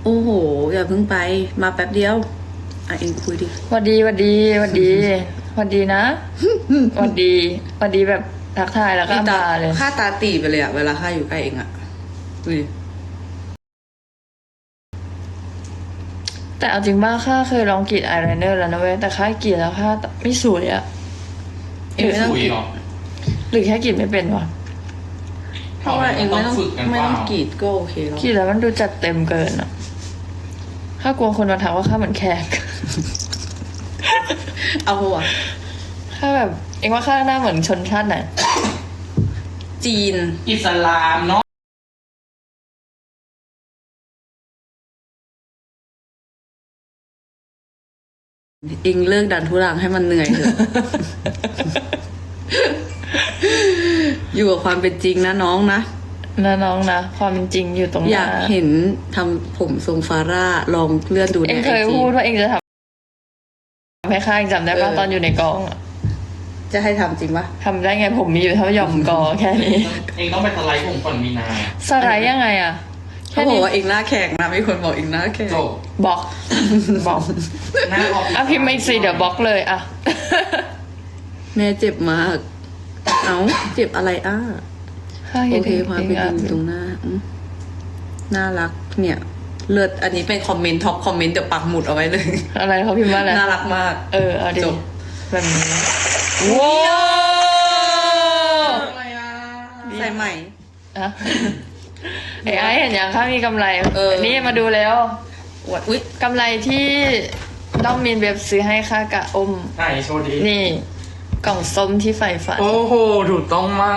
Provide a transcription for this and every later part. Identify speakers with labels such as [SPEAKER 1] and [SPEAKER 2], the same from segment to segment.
[SPEAKER 1] โอ้โหอย่าเพิ่งไปมาแป๊บเดียวเองคุยดิ
[SPEAKER 2] หวัดดีหวัดดีหวัดดีหวัดดีนะหวัดดีหวัดดีแบบทักทายแล้วก็มาเลย
[SPEAKER 1] ค่าตาตีไปเลยอะเวลาค่าอยู่ใกล้เองอะดูดิ
[SPEAKER 2] แต่เอาจริงบ้าข้าเคยลองกรีดอายไลเนอร์แล้วนะเว้ยแต่ข้ากรีดแล้วข้าไม่สวยอะ
[SPEAKER 1] เองไม่ต้องกรีด
[SPEAKER 2] หรือแค่กรีดไม่เป็นวะ
[SPEAKER 1] เพราะว่าเองไม่ต้องกรีดก็โอเคแล้ว
[SPEAKER 2] กรีดแล้วมันดูจัดเต็มเกินอะข้ากลัวคนมาทักว่าข้าเหมือนแขก
[SPEAKER 1] เอาหัว
[SPEAKER 2] ข้าแบบเองว่าข้าหน้าเหมือนชนชาติไหน
[SPEAKER 1] จีน
[SPEAKER 3] อิสลามเนาะ
[SPEAKER 1] เองเลิกดันทุรังให้มันเหนื่อยเถอะ อยู่กับความเป็นจริงนะน้องนะ
[SPEAKER 2] นะน้องนะความเป็นจริงอยู่ตรงห
[SPEAKER 1] อยา
[SPEAKER 2] น้าก
[SPEAKER 1] เห็นทำผมทรงฟาร่าลองเลื่อนดูใน
[SPEAKER 2] เอง
[SPEAKER 1] ไอ
[SPEAKER 2] เคย
[SPEAKER 1] จี
[SPEAKER 2] พูดว่าเองจะทำให้ข้าเองจำได้ป่ะตอนอยู่ในกองอะ
[SPEAKER 1] จะให้ทำจริงปะ
[SPEAKER 2] ทำได้ไงผมมีอยู่เท่าหย่อมกอแค่นี้
[SPEAKER 3] เองต้องไปสไลด์ผมก่อนมีนา
[SPEAKER 2] สไลด์ยังไงอะ
[SPEAKER 1] เขาบอกว่าเองหน้าแข็งนะมีคนบอกเองหน้าแข็ง
[SPEAKER 3] จบบ
[SPEAKER 2] ล็อกบล็อก
[SPEAKER 3] หน้าออก
[SPEAKER 2] อ่ะพิมพ์ไม่สิเดี๋ยวบล็อกเลยอ่ะ
[SPEAKER 1] แม่เจ็บมาก เอ้าเจ็บอะไรโอเคความเป็นจริงตรงหน้าน่ารักเนี่ย เลิศอันนี้เป็นคอมเมนต์ท็อปคอมเมนต์เดี๋ยวปักหมุดเอาไว้เลย
[SPEAKER 2] อะไรเขาพิมพ์ว่าอะไร
[SPEAKER 1] น่ารักมาก
[SPEAKER 2] เอาดิ
[SPEAKER 1] จบ
[SPEAKER 2] แบบนี้ว้าว
[SPEAKER 1] อะไรอ่ะใส่ใหม่
[SPEAKER 2] อะไอ้เห็นยังข้ามีกำไร นี่มาดูแล้ว
[SPEAKER 1] อวดอุ๊ย
[SPEAKER 2] กำไรที่น้องมีนเว็บซื้อให้ข้ากะอม
[SPEAKER 3] ไหนโชว์ดี
[SPEAKER 2] นี่ กล่องส้มที่ใฝ่ฝัน
[SPEAKER 3] โอ้โหถูกต้องมาก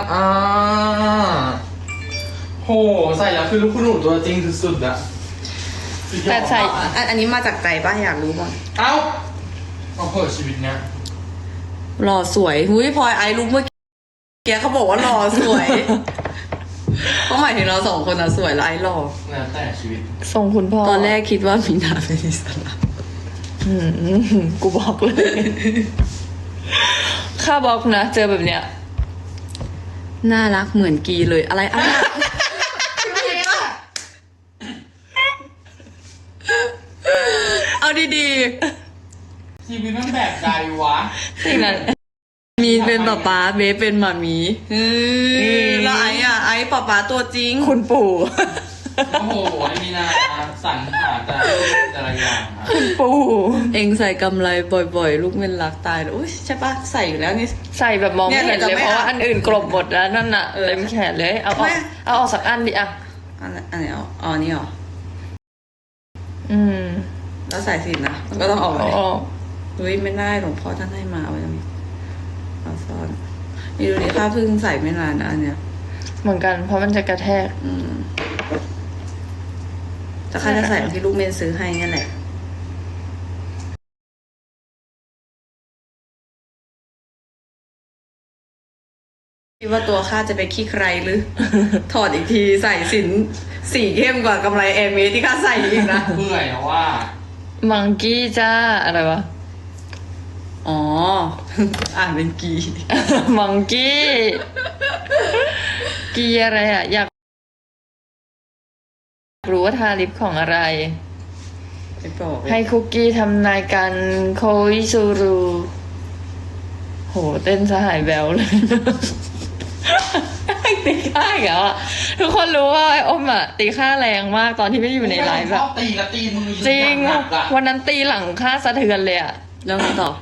[SPEAKER 3] โหใส่แล้วคือลูกคุณหนูตัวจริงสุดๆอะสุดยอด
[SPEAKER 2] แต่ใส่
[SPEAKER 1] อันนี้มาจากใจป้าอยากรู้บ้าง
[SPEAKER 3] เอ้าเอาเปิดชีวิตเนี้ย
[SPEAKER 1] หล่อสวยหุ้ยพลอยไอรู้เมื่อกี้เขาบอกว่าหล่อสวยเขาหมายถึงเราสองคนอะสวยแล้วไอหล่อ
[SPEAKER 3] แล้วแต่ชีวิต
[SPEAKER 2] ส่งคุณพ่อ
[SPEAKER 1] ตอนแรกคิดว่ามีนาเป็นอิสลาม
[SPEAKER 2] อืมกูบอกเลย ข้าบอกนะ เจอแบบเนี้ย
[SPEAKER 1] น่ารักเหมือนกีเลยอะไรเอาดี
[SPEAKER 3] ชีวิตมันแบบใดวะ
[SPEAKER 2] สิ่งนั้น
[SPEAKER 1] ๆมีเป็นป๊าเบสเป็นหมามีแล้วไอ้ป๊าตัวจริง
[SPEAKER 2] คุณปู่
[SPEAKER 3] โอ้โหไอ้มีนาสรรหาแต่ละอย่างอะ
[SPEAKER 2] คุณปู่
[SPEAKER 1] เองใส่กำไรบ่อยๆ ลูกเม่นรักตายเลยอุ้ยใช่ปะใส่อยู่แล้วนี่
[SPEAKER 2] ใส่แบบมองไม่เห็น
[SPEAKER 1] เนี่ย
[SPEAKER 2] เลย
[SPEAKER 1] เดี๋ยวจะไม่
[SPEAKER 2] เพราะว่าอันอื่นกลบหมดแล้วนั่นน่ะ
[SPEAKER 1] เออ
[SPEAKER 2] เต็มแขนเลย เอาอ
[SPEAKER 1] ไม่
[SPEAKER 2] อกเอาออกสักอันดิอ่ะ
[SPEAKER 1] อันไหนอ๋อนี่เหรอ
[SPEAKER 2] อืม
[SPEAKER 1] แล้วใส่สินนะมันก็ต้องออก
[SPEAKER 2] เอา
[SPEAKER 1] มา
[SPEAKER 2] ออก
[SPEAKER 1] อุ้ยไม่ได้หลวงพ่อท่านให้มาเอาไว้ตรงนี้เอาซ่อนนี่ดูดิข้าเพิ่งใส่ไม่นานนะอันเนี้ย
[SPEAKER 2] เหมือนกันเพราะมันจะกระแทก
[SPEAKER 1] แต่ข้าจะใส่ที่ลูกเมนซื้อให้เนี่ยแหละคิดว่าตัวข้าจะไปขี้ใครหรือ ถอดอีกทีใส่สินสีเข้มกว่ากำไรแอร์เมสที่ข้าใส่อีกนะ
[SPEAKER 3] เบื่อแล้วว่า
[SPEAKER 2] มังกี้จ้า อะไรวะ
[SPEAKER 1] อ๋อ อ่านเป็นกี
[SPEAKER 2] มังกี้ กีอะไรอ่ะ อยากรู้ว่าทาลิปของอะไร
[SPEAKER 1] ไม่บอกเลย
[SPEAKER 2] ให้คุกกี้ทำนายการโคอิซูรุโห เต้นสหายแบวเลย ตีค่าอีกแล้วอ่ะ ทุกคนรู้ว่าไอ้อมอ่ะ ตีค่าแรงมากตอนที่ไม่ได้อยู่ในไลฟ์
[SPEAKER 3] ช
[SPEAKER 2] อะ
[SPEAKER 3] อบตีกับตีมือ
[SPEAKER 2] จริง
[SPEAKER 3] หนักอะ
[SPEAKER 2] วันนั้นตีหลังค่าสะเทือนเลยอ่ะ
[SPEAKER 1] แล้วไงต่อ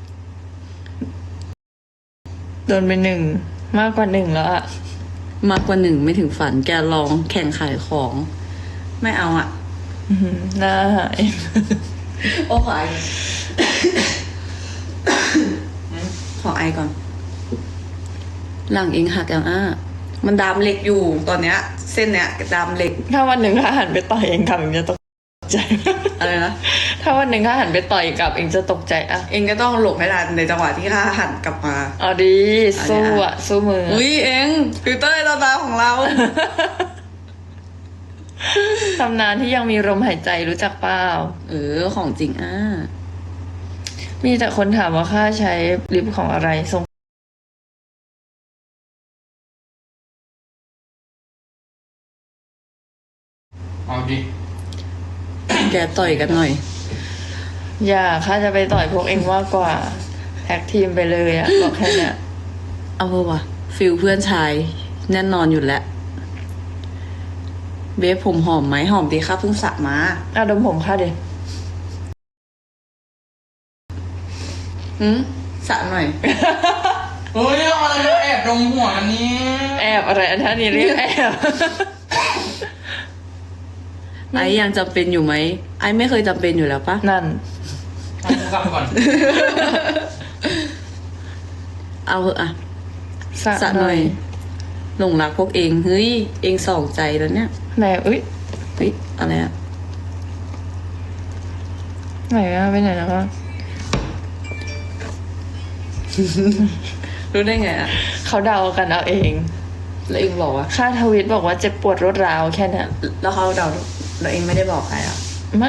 [SPEAKER 2] โดนไปหนึ่งมากกว่าหนึ่งแล้วอ่ะ
[SPEAKER 1] มากกว่าหนึ่งไม่ถึงฝันแกลองแข่งขายของ ไม่เอาอ่ะ
[SPEAKER 2] อื้อหือหน้าหาย
[SPEAKER 1] โอ้ขอไอ ขอไอก่อน หลังเองหักอย่างมันดามเหล็กอยู่ตอนเนี้ย เส้นเนี้ยดามเหล็ก
[SPEAKER 2] ถ้าวันหนึ่งข้าหันไปต่อยเองกลับเองจะตกใจ
[SPEAKER 1] อะไรนะ
[SPEAKER 2] ถ้าวันหนึ่งข้าหันไปต่อยกลับเองจะตกใจอ่ะ
[SPEAKER 1] เองก็ต้องหลบให้ทันในจังหวะที่ข้าหันกลับมา
[SPEAKER 2] เอาดีสู้อ่ะ สู้มืออะ
[SPEAKER 1] อุ้ยเองฟิลเตอร์ตาของเรา
[SPEAKER 2] ตำนานที่ยังมีลมหายใจรู้จักเปล่า
[SPEAKER 1] ของจริง
[SPEAKER 2] มีแต่คนถามว่าข้าใช้ลิปของอะไรทรง
[SPEAKER 3] เอาดิ
[SPEAKER 1] แกต่อยกันหน่อย
[SPEAKER 2] อย่าข้าจะไปต่อยพวกเองมากกว่าแท็กทีมไปเลยอะบอกแค่เนี้ย
[SPEAKER 1] เอาเถอะวะฟิลเพื่อนชายแน่นอนอยู่แล้ว เบฟผมหอมไหมหอมดีค่ะเพิ่งสระมา
[SPEAKER 2] อ่ะดมผมข้าดิ
[SPEAKER 1] สระหน่อย
[SPEAKER 3] เฮ้ยเอาอะไรมาแอบดมหัวกันเนี่ย
[SPEAKER 2] แอบอะไรอันท่านี้เรียกแอบ
[SPEAKER 1] ไอ้ยังจำเป็นอยู่ไหมไอ้ไม่เคยจำเป็นอยู่แล้วปะ
[SPEAKER 2] นั่น
[SPEAKER 3] เอากูกลับก่อน
[SPEAKER 1] เอาเหอะอะ
[SPEAKER 2] สระ
[SPEAKER 1] สระหน่อย หลงรักพวกเองเฮ้ยเองสองใจแล้วเนี่ย
[SPEAKER 2] ไหนอุ้ย
[SPEAKER 1] เฮ้ยอะไรอะ
[SPEAKER 2] ไหนอะไปไหนแล้ววะ
[SPEAKER 1] รู้ได้ไงอะ
[SPEAKER 2] เขาเดากันเอาเอง
[SPEAKER 1] แล้วเองบอกว่า
[SPEAKER 2] ค่าทวิตบอกว่าเจ็บปวดรวดร้าวแค่เนี้ย
[SPEAKER 1] แล้วเขาเดาแล้วเองไม่ได้บอกใครอะ
[SPEAKER 2] ไม่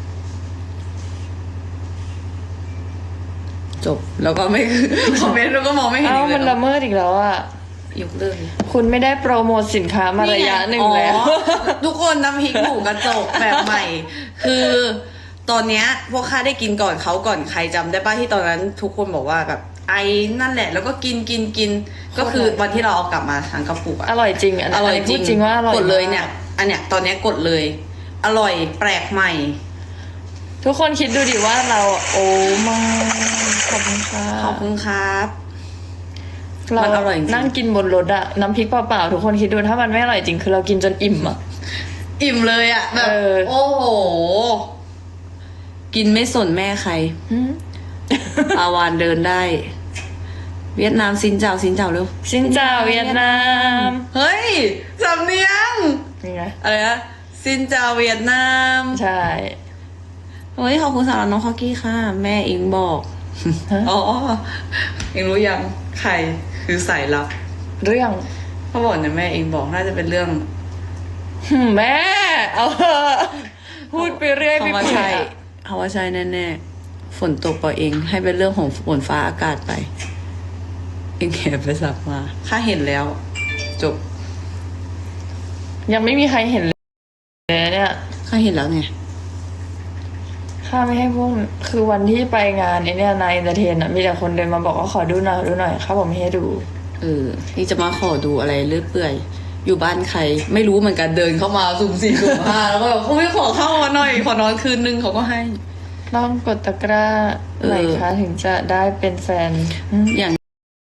[SPEAKER 1] จบแล้วก็ไม่ คอมเมนต์แล้วก็มองไม่เห็น
[SPEAKER 2] เอ้า
[SPEAKER 1] อีกเล
[SPEAKER 2] มัน
[SPEAKER 1] ย
[SPEAKER 2] ละเมิดอีกแล้วอะ
[SPEAKER 1] ยกเลิกเลย
[SPEAKER 2] คุณไม่ได้โปรโมทสินค้ามาระยะหนึ่งแล้ว
[SPEAKER 1] อ๋อทุกคนน้ำพริกหมูกระจกแบบใหม่ คือตอนเนี้ยพวกข้าได้กินก่อนเขาก่อนใครจำได้ป่ะที่ตอนนั้นทุกคนบอกว่าแบบไอ้นั่นแหละ แล้วก็กินก็คือวันที่เราเอากลับมาทางกระปุกอะ
[SPEAKER 2] อร่อยจริงอัน
[SPEAKER 1] อร่อย
[SPEAKER 2] นี้
[SPEAKER 1] จ
[SPEAKER 2] พู
[SPEAKER 1] ริ
[SPEAKER 2] ด
[SPEAKER 1] ง
[SPEAKER 2] จริงว่าอร่อย
[SPEAKER 1] กดเลย
[SPEAKER 2] มาก
[SPEAKER 1] เนี่ย อันเนี้ยตอนเนี้ยกดเลย อร่อยแปลกใหม่
[SPEAKER 2] ทุกคนคิดดูดิว่าเราโอ้มาขอบคุณค่ะ
[SPEAKER 1] ขอบคุณครับ
[SPEAKER 2] เรา
[SPEAKER 1] มันอร่อยจริง
[SPEAKER 2] นั่งกินบนรถอะน้ำพริกเปล่าๆทุกคนคิดดูถ้ามันไม่อร่อยจริงคือเรากินจนอิ่มอะ
[SPEAKER 1] อิ่มเลยอะแบบ
[SPEAKER 2] เออ
[SPEAKER 1] โอ้โห กินไม่สนแม่ใคร
[SPEAKER 2] หืม
[SPEAKER 1] ปาวานเดินได้ เวียดนามซินเจ้าเร็ว
[SPEAKER 2] สินเจ้าเวียดนาม
[SPEAKER 1] เฮ้ยสำเนียง
[SPEAKER 2] นี่ไง
[SPEAKER 1] อะไรนะซินเจ้าเวียดนาม
[SPEAKER 2] ใช่
[SPEAKER 1] เฮ้ยขอบคุณสำหรับน้องคอกกี้ค่ะ แม่เองบอก
[SPEAKER 2] ฮะ
[SPEAKER 1] อ๋อเองรู้ยังใครคือสายลับ
[SPEAKER 2] เรื่อง
[SPEAKER 1] เขาบอกเนี่ยแม่เองบอกน่าจะเป็นเรื่อง
[SPEAKER 2] แม่เอาเถอะพูดไปเรื่อยไป
[SPEAKER 1] เขาว่า
[SPEAKER 2] เปื่
[SPEAKER 1] ใช่
[SPEAKER 2] อย
[SPEAKER 1] เขาว่าใช่แน่ๆฝนตกปล่อยเอง ให้เป็นเรื่องของฝนฟ้าอากาศไป เองแอบไปสับมาข้าเห็นแล้ว จบ
[SPEAKER 2] ยังไม่มีใครเห็นเลยเนี่ย
[SPEAKER 1] ข้าเห็นแล้วไง
[SPEAKER 2] ข้าไม่ให้พวกคือวันที่ไปงานไอ้เนี่ยนายเอนเตอร์เทนอะมีแต่คนเดินมาบอกว่าขอดูหน่อยข้าบอกไม่ให้ดู
[SPEAKER 1] นี่จะมาขอดูอะไรเลื่อยเปื่อย อยู่บ้านใคร ไม่รู้เหมือนกันเดินเข้ามาสุ่มสี่สุ่มห้าแล้วก็แบบเขาไม่ขอเข้ามาหน่อย ขอนอนคืนนึงเขาก็ให้
[SPEAKER 2] ต้องกดตะกร้าไหนคะถึงจะได้เป็นแฟนอืม
[SPEAKER 1] อย่าง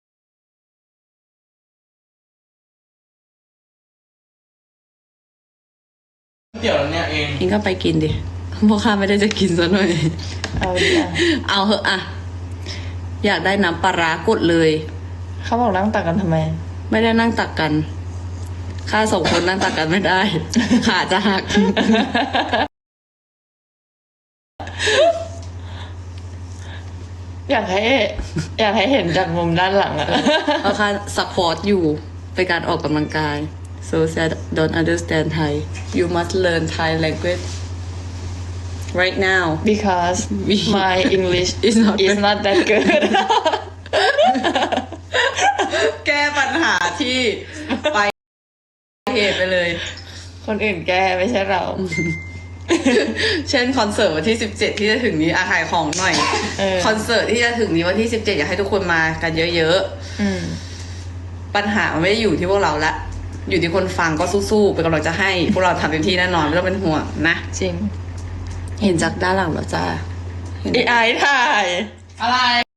[SPEAKER 3] เดี๋ยวเนี่ยเอง
[SPEAKER 1] เองก็ไปกินดิเพราะข้าไม่ได้จะกินซะหน่อย
[SPEAKER 2] เอาดิอะ
[SPEAKER 1] เอาเหอะอะอยากได้น้ำปลาร้ากดเลย
[SPEAKER 2] เขาบอกนั่งตักกันทำไม
[SPEAKER 1] ไม่ได้นั่งตักกันข้าสองคนนั่งตักกันไม่ได้ ขาจะหัก
[SPEAKER 2] อยากให้เห็นจากมุมด้านหลังอะ
[SPEAKER 1] เพราะข้าสควอตอยู่เป็นการออกกำลังกาย so sad don't understand Thai you must learn Thai language right now
[SPEAKER 2] because
[SPEAKER 1] We-
[SPEAKER 2] my English
[SPEAKER 1] is not
[SPEAKER 2] is not that good
[SPEAKER 1] แก้ปัญหาที่ไปเหตุไปเลย
[SPEAKER 2] คนอื่นแก้ไม่ใช่เรา
[SPEAKER 1] เช่นคอนเสิร์ตวันที่ 17 ที่จะถึงนี้ขายของหน่อย
[SPEAKER 2] เออ
[SPEAKER 1] คอนเสิร์ตที่จะถึงนี้วันที่ 17 อยากให้ทุกคนมากันเยอะ
[SPEAKER 2] อืม
[SPEAKER 1] ๆ ปัญหามันไม่ได้อยู่ที่พวกเราละ อยู่ที่คนฟังก็สู้ๆเป็นกำลังจะให้ พวกเราทำเต็มที่แน่นอนไม่ต้องเป็นห่วงนะ
[SPEAKER 2] จริง
[SPEAKER 1] เห็นจากด้านหลังแล้วจ้าเห็น
[SPEAKER 2] ไอ้ถ่าย
[SPEAKER 3] อะไร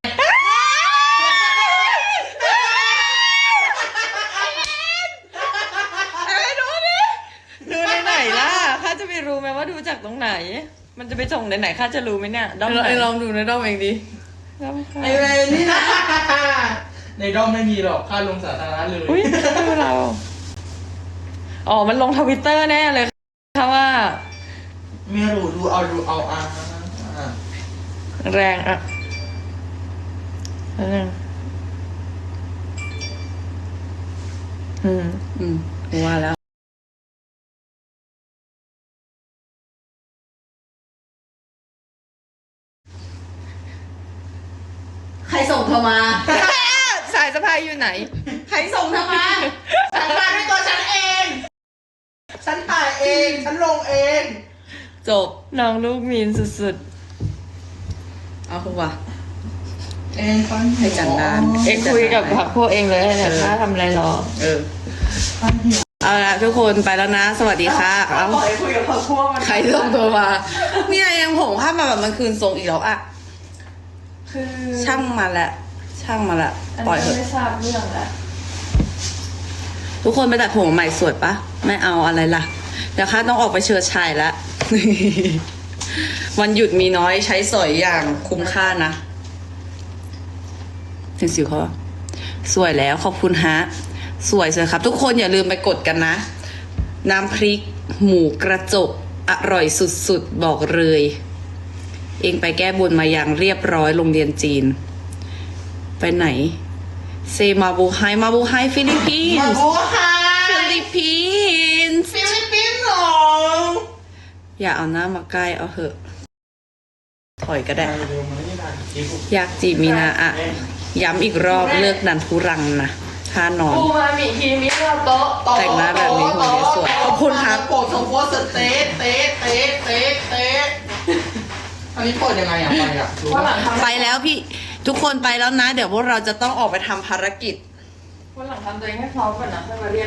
[SPEAKER 2] ดูในไหนล่ะข้าจะไปรู้ไหมว่าดูจากตรงไหน มันจะไปส่งในไหนข้าจะรู้ไหมเนี่ยด้อมไหน
[SPEAKER 1] ลองดูในด้อมเองดิ
[SPEAKER 2] ด้อมค่ะ
[SPEAKER 1] ไอเวรนี่นะ
[SPEAKER 3] ในด้อมไม่มีหรอกค่าลงสาธารณะเลย
[SPEAKER 2] อุ้ยดูเรา อ๋อ มันลงทวิตเตอร์แน่เลยค่ะว่า
[SPEAKER 3] ไม่รู้ดูเอา
[SPEAKER 2] แรงอ่ะแล้วนึง
[SPEAKER 1] ว่าแล้ว ใครส่งเธอมา
[SPEAKER 2] สายสะพายอยู่ไหน
[SPEAKER 1] ใครส่งเธอมา ฉันมาด้วยตัวฉันเอง ฉันถ่ายเอง ฉันลงเองจบ
[SPEAKER 2] น้องลูกมีนสุด
[SPEAKER 1] เอาคุณวะ
[SPEAKER 3] เอ็งฟัน
[SPEAKER 1] ให้จันดาน
[SPEAKER 2] ๆ เอ็งคุยกับพวกเองเลยเนี่ยถ้าทำอะไรรอ
[SPEAKER 1] เออ เอาละทุกคนไปแล้วนะ สวัสดีค่ะเอา
[SPEAKER 3] ปล่อยคุยกับพวกมัน
[SPEAKER 1] ใครส่งตัวมา เนี่ยยังผงภาพมาแบบมันคืนทรงอีกแล้วอะ
[SPEAKER 2] คือ
[SPEAKER 1] ช่างมาละช่างมาละ
[SPEAKER 2] อัน
[SPEAKER 1] ปล่อย
[SPEAKER 2] นี้
[SPEAKER 1] เถอะ
[SPEAKER 2] ไม่ทราบเรื่องแล้ว
[SPEAKER 1] ทุกคนไปตัดผมใหม่สวยปะไม่เอาอะไรล่ะเดี๋ยวข้าต้องออกไปเชิดชายแล้ว วันหยุดมีน้อยใช้สอยอย่างคุ้มค่านะเห็นสิวเขาปะสวยแล้วขอบคุณฮะ สวยครับ ทุกคนอย่าลืมไปกดกันนะ น้ำพริก หมูกระจก อร่อยสุดๆ บอกเลย เองไปแก้บนมาอย่างเรียบร้อยโรงเรียนจีน ไปไหน เซมาบูไฮมาบูไฮฟิลิปปิน
[SPEAKER 3] มา
[SPEAKER 1] ส์
[SPEAKER 3] บัวฮา
[SPEAKER 1] ฟิลิปปินส์
[SPEAKER 3] ฟิลิปปินส์เหรอ
[SPEAKER 1] อย่าเอาหน้ามาใกล้เอาเถอะ ถอยก็ได้
[SPEAKER 3] เร็วมาที่ร้านกิ๊ก
[SPEAKER 1] อยากจีบมีนาอะ ย้ำอีกรอบเลิกดันทุรังนะท่านอน
[SPEAKER 2] ปูมามิคีมิเราโต๊ะ
[SPEAKER 1] แต่งหน้าแบบนี้คนนี้สวยขอบคุณครับ
[SPEAKER 3] โปรดสมควรสเต๊ะเต๊ะเต๊ะเต๊ะเต๊ะอันนี้เปิดยังไงอ่ะไปอ่ะรู้
[SPEAKER 2] วันหลั
[SPEAKER 3] ปะ
[SPEAKER 2] งทำ
[SPEAKER 1] ไปแล้วพี่ ทุกคนไปแล้วนะ เดี๋ยวพวกเราจะต้องออกไปทำภารกิจ
[SPEAKER 2] วันหลังทำตัวเองให้พร้อมก่อนนะค่อยมาเรียก